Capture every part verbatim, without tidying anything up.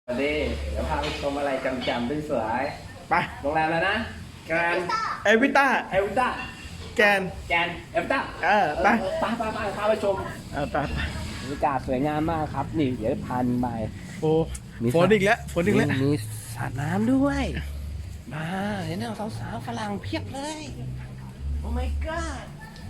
สวัสดีเดี๋ยวพาไปชมอะไรจำๆสวยไปๆโรงแรมแล้วนะแกรนเอวิต้าเอลต้าแกนแกรนเอลต้าเออไปไปไปไปพาไปชมเออไปไปบรรยากาศสวยงามมากครับ นี่เดี๋ยวพันไปโอ้มีฝนอีกแล้วฝนอีกแล้วมีสระน้ำด้วยมาเห็นไหมสาวๆฝรั่งเพียบเลย โอ้ my god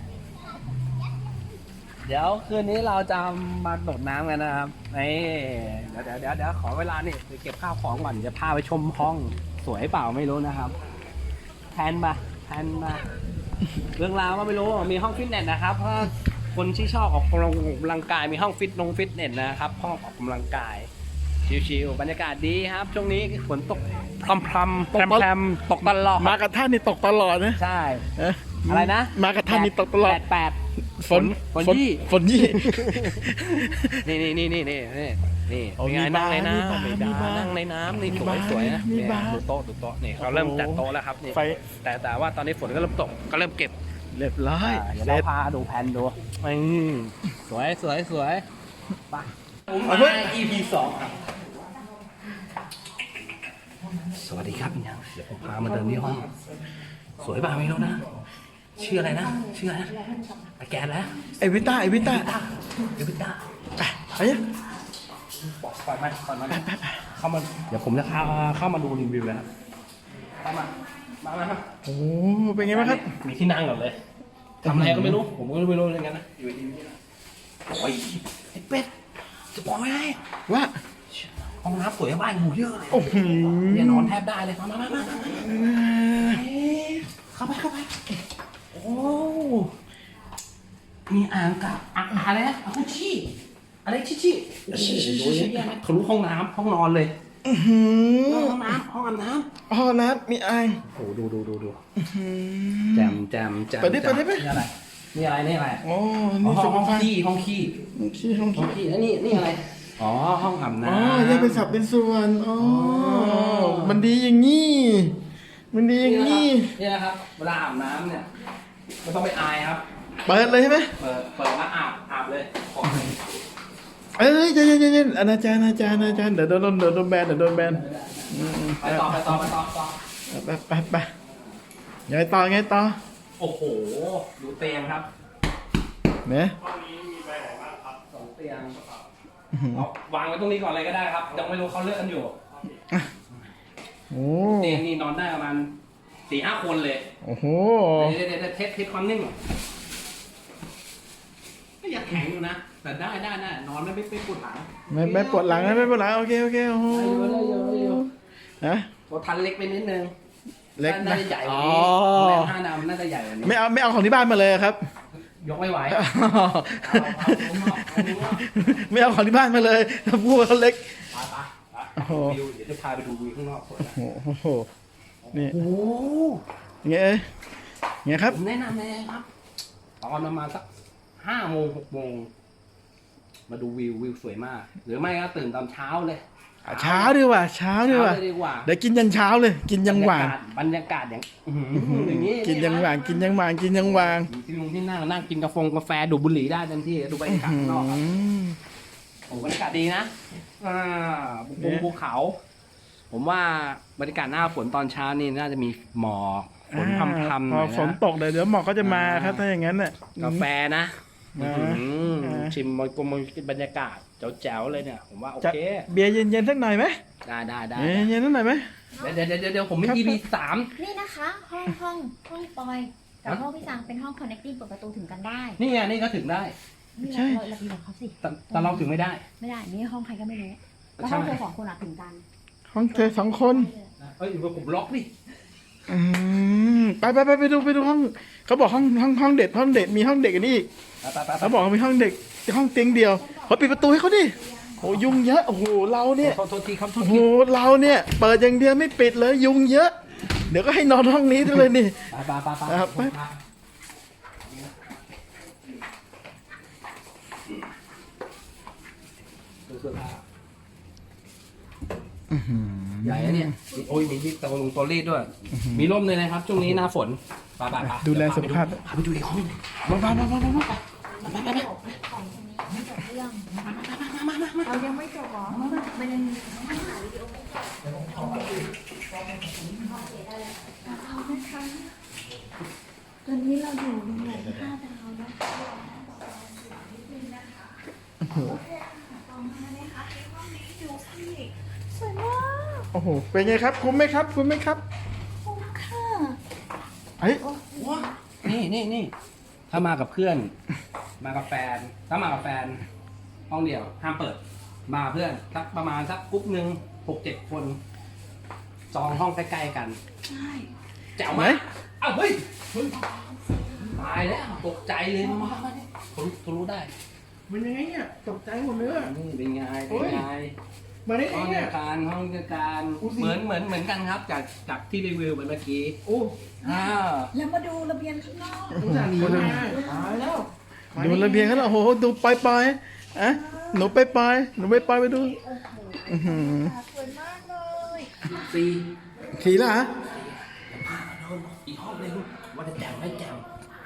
เดี๋ยวคืนนี้เราจะมาโดดน้ำกันนะครับนี่เดี๋ยวเดี๋ยวเดี๋ยวเดี๋ยวขอเวลานี่ไปเก็บข้าวของก่อนจะพาไปชมห้องสวยเปล่าไม่รู้นะครับแทนมาแทนมาเรื่องราวก็ไม่รู้มีห้องฟิตเนสนะครับเพราะคนที่ชอบออกกำลังกายมีห้องฟิตนงฟิตเนสนะครับห้องออกกำลังกายชิวๆบรรยากาศดีครับช่วงนี้ฝนตกพรำพรำตกแพรมๆตกตลอดมากับท่านนี่ตกตลอดนะใช่เอ๊ะอะไรนะมากับท่านนี่ตกตลอดแปดแปดฝนฝนยี่ฝนยี่นี่นี่นี่นี่นี่นี่นี่โอ้เป็นไงมีนั่งบาร์ในมีบาร์น้ำไม่มีได้บาร์นั่งในน้ำนี่มีสวยบาร์สวยนะมีเนี่ยบาร์ดูโต๊ะดูโต๊ะนี่เขาโอ้โหเริ่มจัดโต๊ะแล้วครับนี่ไฟแต่แต่ว่าตอนนี้ฝนก็เริ่มตกก็เริ่มเก็บเรียบร้อยอ่าเดี๋ยวเสร็เราจพาดูแผนดูอืมสวยสวยสวยไปผมเอาเฮ้มาย อี พี สองครับสวัสดีครับยังเดี๋ยวผมพามาเดินที่ห้องสวยป่ะไม่รู้นะชื่ออะไรนะชื่ออะไรนะอาแกนแล้วเอวิต้าเอวิต้าเดวิดด้าไปไปเนี่ยปล่อยมาปล่อยมาเข้ามาเดี๋ยวผมจะเข้าเข้ามาดูรีวิวแล้วเข้ามามามาครับโอ้เป็นไงบ้างครับมีที่นั่งก่อนเลยทำอะไรก็ไม่รู้ผมก็ไม่รู้เลยกันนะอยู่ดีๆนะโอ้ยไอ้เป็ดจะบอกไม่ได้ว่าห้องน้ำสวยบ้านหมูเยอะเลยโอ้โหเนี่ยนอนแทบได้เลยมามามามามาเข้าไปเข้าไปโอ้มีอ่างกับอ่างอะไรนะอ่างชี้อะไรชี้ชี้โอ้โหเยอะแยะไหมทะลุห้องน้ำห้องนอนเลยอื้อหือห้องน้ำห้องอาบน้ำอ๋อน้ำมีอ่างโอ้ดูดูดูดูอื้อหืแจอมแจมแจมเปิดดิเปิดดิเปิดนี่อะไรนี่อะไรนี่อะไรโอ้อ๋อนี่ห้สองมห้องภารขี้ห้องขี้ขี้ห้องห้องขี้ขี้แล้วนี่นี่อะไรอ๋อห้องอาบน้ำอ๋อแยกเป็นสับเป็นส่วนอ๋อมันดีอย่างงี้มันดีอย่างงี้นี่นะครับเวลาอาบน้ำเนี่ยไม่ต้องไปอายครับเปิดเลยใช่ไหมเปิดเปิดแล้วอาบอาบเลยขอเอ้ยเย็นเย็นเย็นเย็นอนาจารย์อนาจารย์อนาจารย์เดี๋ยวโดนเดี๋ยวโดนแบนเดี๋ยวโดนแบนอืมไปต่อไปต่อไปต่อต่อไปไปไปไงต่อไงต่อโอ้โหดูเตียงครับเนี่ยสองเตียงเอาวางไว้ตรงนี้ก่อนเลยก็ได้ครับยังไม่รู้เขาเลือกกันอยู่โอ้เตียงนี่นอนได้ประมาณสี่ห้าคนเลยโอ้โหเดี๋ยวเดี๋ยวเดี๋ยวเทสเทสความนิ่มก่อนก็อยากแข็งอยู่นะ แต่ได้ได้ได้นอนไม่ไม่ไม่ปวดหลังไม่ไม่ปวดหลังนะไม่ปวดหลังโอเคโอเคโอ้โหได้อยู่ได้อยู่ได้อยู่ฮะตัวทันเล็กไปนิดนึงเล็กน่านะจะใหญ่กอ๋ว่าอนี้โรงแรมห้าดาวน่าจะใหญ่กว่านี้ไม่เอาไม่เอาของที่บ้านมาเลยครับยกไม่ไหวอ๋อเอาเอาข้างนอกเอาข้างนอกไม่เอาของที่บ้านมาเลยถ้าพูดว่าเขาเล็กไปไปไปโอ้โหวิวเดี๋ยวจะพาไปดูวิวข้างนอกสวยนะโอ้โหนี่โอ้โหไงเอ้ยไงครับผมแนะนำเลยครับ ตอนประมาณสักห้าโมงหกโมงมาดูวิววิวสวยมาก หรือไม่ก็ตื่นตอนเช้าเลยเช้าดีกว่าเช้าดีกว่าเช้เลยดีกว่าเดี๋ยวกินยันเช้าเลย กินยังหวานบรรยากาศอย่างอื้อหืออย่างนี้กินยังหวานกินยังหวานกินยังหวานที่ลุงที่นั่งนั่งกินกาแฟกาแฟดูดบุหรี่ได้เต็มที่ดูบรรยากาศข้างนอกครับอืมโอ้บรรยากาศดีนะอ่าบนเนี่ยภูเขา ผมว่าบรรยากาศหน้าฝนตอนเช้านี่น่าจะมีหมอกฝนพรำๆหพน่ออยฝนนะตกเดี๋ยวเดี๋ยวหมอกก็จะมาครับถ้าอย่างนั้นน่ะกาแฟนะอ่าอื้อหืออ่าชิมมันกลมบรรยากาศแจ๋วๆเลยเนี่ย ผมว่าโอจะเคเบียร์เย็นๆสักหน่อยไหมได้ได้ได้เย็นๆสักหน่อยไหมเดี๋ยวเดี๋ยวเดี๋ยวเดี๋ยวผมมีครับอี พี สามนี่นะคะ ห้องห้องห้องปอยกับห้องพี่สังเป็นห้อง connecting เปิดประตูถึงกันได้นี่ไงนี่ก็ถึงได้นี่เราเราเราดีกว่าเขาสิแต่แต่เราถึงไม่ได้ไม่ได้ นี่ห้องใครก็ไม่รู้แล้วใช่ห้องเธอสองคนอะถึงกันห้องเธอสองคนเอ้ยอยู่กับผมล็อกดิอืมไปไปไปไปดูไปดูห้องเขาบอกห้องห้องห้องเด็ดห้องเด็ดมีห้องเด็กอันนี้อีกไปไปไปเขาบอกว่ามีห้องเด็กห้องเตียงเดียวเขาปิดประตูให้เขาดิโอ้ยุงเยอะโอ้โหเราเนี่ยโทษโทษทีครับโทโอ้ษโหทีเราเนี่ยเปิดอย่างเดียวไม่ปิดเลยยุงเยอะ เดี๋ยวก็ให้นอนห้องนี้ด้วยเลยนี่ไปไปไปไปครับไปดูเสื้อผ้าใหญ่อะเนี่ยโอ้ยมีที่ตะลงตัวรีดด้วย มีร่มเลยนะครับ ช่วงนี้หน้าฝนไปไปไปดูแลสุขภาพพาไปดูอีกห้องหนึ่งมามามามามามาไปไปไปของคนนี้ไม่จบเรื่องเรายังไม่จบหรอมันยังอยู่โรงแรมห้าดาวนะคะโอ้โหต่อมาเลยค่ะในห้องนี้ดูสิสวยมากโอ้โหเป็นไงครับคุ้มไหมครับคุ้มไหมครับคุ้มค่ะเฮ้ยนี่นี่นี่ถ้ามากับเพื่อน มากับแฟน ถ้ามากับแฟน ห้องเดียวห้ามเปิด มากับเพื่อนสักประมาณสักกรุ๊ปหนึ่งหกเจ็ดคน จองห้องใกล้ๆกันใช่แจ๋วไหมเอ้าเฮ้ยเฮ้ยตายแล้วตกใจเลยมามาเนี่ยทะลุทะลุได้มันยังไงเนี่ยตกใจหมดเลยอะนี่เป็นไงโอ้เป็นยไงมาได้ห้ไงองเนี่เดียยวกันห้องเดียวกันอุ๊ยสิเหมือนเหมือนเหมือนกันครับ จากจากที่รีวิวไปเมื่อกี้โอ้อ่าแล้วมาดูระเบียงข้างนอกสงสารหนีมาตายแล้วดูระเบียงเขาแล้วโอ้โหดูปล่อยๆอะหนูไปปล่อยหนูไปปล่อยไปดูอื้อหือสวยมากเลยสี่ขี่แล้วเหรอพามาดูอีกห้องหนึงว่าจะแจ๋วไม่แจ๋ว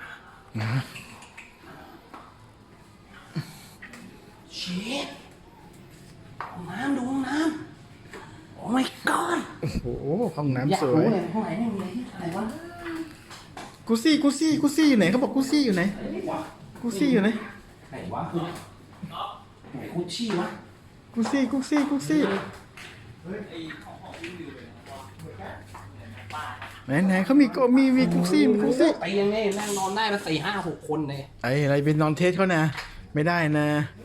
เชฟห้องน้ำดูห้องน้ำโอ้ my god โอ้โหห้องอยากน้ำสวรู้ยเลยห้องไหนเนี่ยมีอะไรที่อะไรวะกูซี่กูซี่กูซี่อยู่ไหนเขาบอกกูซี่อยู่ไหนไหนวะกูซี่อยู่ไหนไหนวะคือไหนคุชชี่วะกูซี่กูซี่กูซี่ไหนไหนเขามีก็มีมีกูซี่มีกูซี่ไปยังไงนั่งนอนได้มาสี่ห้าหกคนเลยไอ้อะไรเป็นนอนเทสเขานะไม่ได้นะ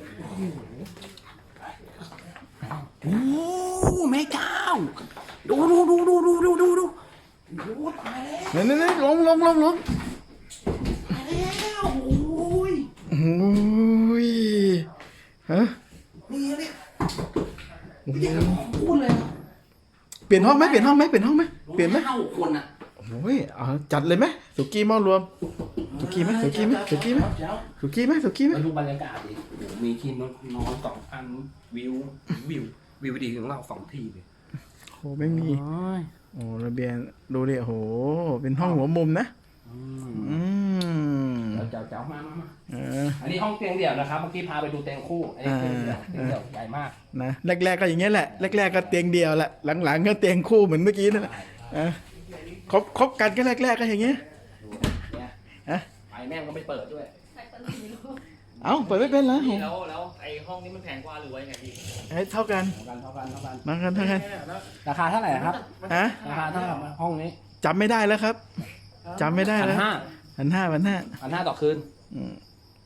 โอ้แม่เจ้าดูดูดูดูดูดูดูดูโอ้ตายแล้วไหนไหนไหนลงลงลงลงตายแล้วโอ้ยโอ้ยฮะนี่เนี่ยนี่ของพูดเลยเปลี่ยนห้องไหมเปลี่ยนห้องไหมเปลี่ยนห้องไหมเปลี่ยนไหมห้าหกคนอ่ะโอ้ยเอาจัดเลยไหมสุกี้หม้อรวมสุกี้ไหมสุกี้ไหมสุกี้ไหมเจ้าสุกี้ไหมสุกี้ไหมมาดูบรรยากาศดิโอ้โหมีที่นอนนอนสองอันวิววิววิวดีของเราสองที่เลยโอ้ไม่มีโอ้ยโอ้ระเบียงดูดิโหเป็นห้องหัวมุมนะอืมอืมเจ้าเจ้าเจ้ามามามาเอออันนี้ห้องเตียงเดี่ยวนะครับ เมื่อกี้พาไปดูเตียงคู่ อันนี้เตียงเดี่ยวอ่าเตียงเดี่ยวใหญ่มากนะแรกๆก็อย่างเงี้ยแหละแรกๆก็เตียงเดียวแหละหลังๆก็เตียงคู่เหมือนเมื่อกี้นั่นแหละอ่ะคบคบกันก็แรกๆก็อย่างเงี้ยดูเนี่ยอ่ะไฟแม่งก็ไม่เปิดด้วยเอ้าเปิดไม่เป็นแล้วพี่แล้วแล้วไอ้ห้องนี้มันแพงกว่าหรือว่ายังไงพี่ให้เท่ากันเท่ากันเท่ากันเท่ากันมากันเท่ากันราคาเท่าไหร่ครับฮะราคาเท่ากับห้องนี้จำไม่ได้แล้วครับจำไม่ได้พันแล้วห้าพันห้าพันห้าพันห้าต่อคืนอืม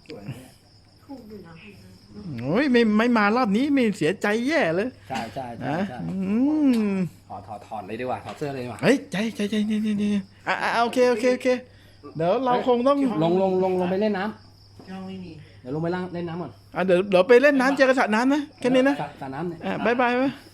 โอ้ยไม่ไม่มารอบนี้ไม่เสียใจแย่เลยใช่ใช่ใช่นะใช่อืมถอดถอดถอดเลยดีกว่าถอดเสื้อเลยดีกว่าเฮ้ยใจใจใจใจใจใจอ่ะอ่ะโอเคโอเคโอเคเดี๋ยวเราคงต้องลงลงลงลงไปเล่นน้ห้องไม่มีำเดี๋ยวลงไปล่างเล่นน้ำก่อนอ่ะเดี๋ยวเดี๋ยวไปเล่นน้ำเจอกันสระน้ำนะแค่นี้นะสระสระน้ำเนี่ยอ่ะบายบายไป